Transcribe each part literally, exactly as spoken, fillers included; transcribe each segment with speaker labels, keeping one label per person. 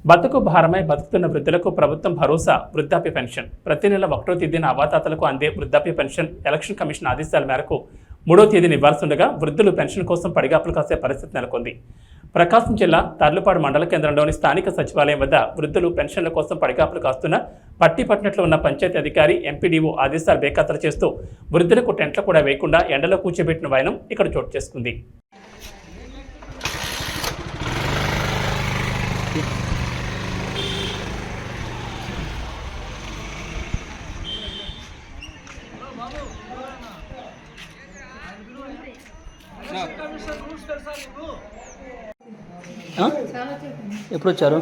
Speaker 1: బతుకు భారమై బతుకుతున్న వృద్ధులకు ప్రభుత్వం భరోసా వృద్ధాప్య పెన్షన్ ప్రతి నెల ఒకటో తేదీన అవాతాతలకు అందే వృద్ధాప్య పెన్షన్ ఎలక్షన్ కమిషన్ ఆదేశాల మేరకు మూడో తేదీని ఇవ్వాల్సిండగా వృద్ధులు పెన్షన్ కోసం పడిగాపులు కాసే పరిస్థితి నెలకొంది. ప్రకాశం జిల్లా తర్లుపాడు మండల కేంద్రంలోని స్థానిక సచివాలయం వద్ద వృద్ధులు పెన్షన్ల కోసం పడిగాపులు కాస్తున్న పట్టిపట్టినట్లు ఉన్న పంచాయతీ అధికారి ఎంపీడీఓ ఆదేశాలు బేఖాతరు చేస్తూ వృద్ధులకు టెంట్లు కూడా వేయకుండా ఎండలో కూర్చోబెట్టిన వైనం ఇక్కడ చోటు చేసుకుంది.
Speaker 2: ఎప్పుడు వచ్చారు?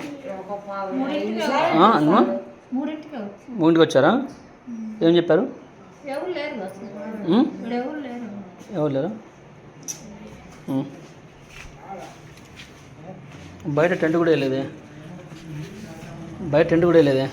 Speaker 2: మూడింటికి వచ్చారా? ఏం చెప్పారు? ఎవరు లేరు. బయట టెంట్ కూడా వేయలేదే బయట టెంట్ కూడా వేయలేదే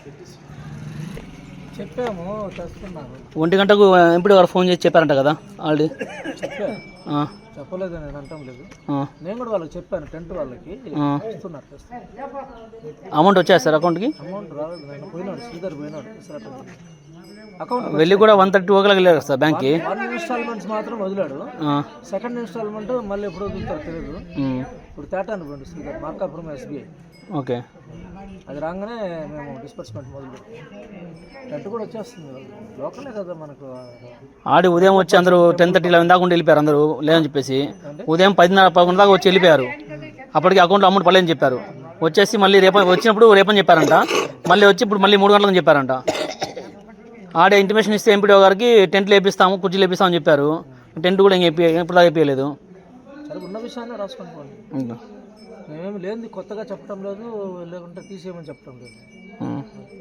Speaker 3: చెప్పాము తెస్తున్నాను.
Speaker 2: ఒంటి గంటకు ఎంపీ వారు ఫోన్ చేసి చెప్పారంట కదా ఆల్రెడీ.
Speaker 3: చెప్పలేదు, నేను అంటాం లేదు. నేను కూడా వాళ్ళకి చెప్పాను, టెంట్ వాళ్ళకి ఇస్తున్నారు.
Speaker 2: అమౌంట్ వచ్చాయి సార్ అకౌంట్కి?
Speaker 3: అమౌంట్ రాలేదు, నేను పోయినాడు, శ్రీధర్ పోయినాడు. అకౌంట్
Speaker 2: వెళ్ళి కూడా వన్ థర్టీ ఓ క్లాక్ వెళ్ళారు సార్ బ్యాంక్కి.
Speaker 3: వన్ ఇన్స్టాల్మెంట్స్ మాత్రం వదిలాడు. సెకండ్ ఇన్స్టాల్మెంట్ మళ్ళీ ఎప్పుడు వదులుతారు తెలియదు. ఇప్పుడు తేటా అనుకోండి శ్రీధర్ మార్కాపురం ఎస్బీఐ.
Speaker 2: ఓకే,
Speaker 3: అది రాగానే మేము డిస్బర్స్మెంట్ మొదలు టెంట్ కూడా వచ్చేస్తుంది. లోకలే కదా మనకు.
Speaker 2: ఆడి ఉదయం వచ్చి అందరూ టెన్ థర్టీ లెవెన్ దాకా ఉండి వెళ్ళిపోయారు అందరూ లేదని చెప్పేసి. ఉదయం పదిన్నర పదకొండు దాకా వచ్చి వెళ్ళిపోయారు. అప్పటికి అకౌంట్లో అమౌంట్ పడలేదని చెప్పారు. వచ్చేసి మళ్ళీ రేపు వచ్చినప్పుడు రేపని చెప్పారంట. మళ్ళీ వచ్చి ఇప్పుడు మళ్ళీ మూడు గంటలకు చెప్పారంట. ఆడే ఇంటిమేషన్ ఇస్తే ఎంపీడీఓ గారికి టెంట్లు వేపిస్తాము, కుర్చీలు వేపిస్తామని చెప్పారు. టెంట్ కూడా ఇంక ఇప్పుడు దాకా వేయలేదు.
Speaker 3: ఉన్న విషయాన్ని రాసుకొని పోండి. మేమేమి లేదు, కొత్తగా చెప్పడం లేదు, లేకుంటే తీసేయమని చెప్పడం లేదు.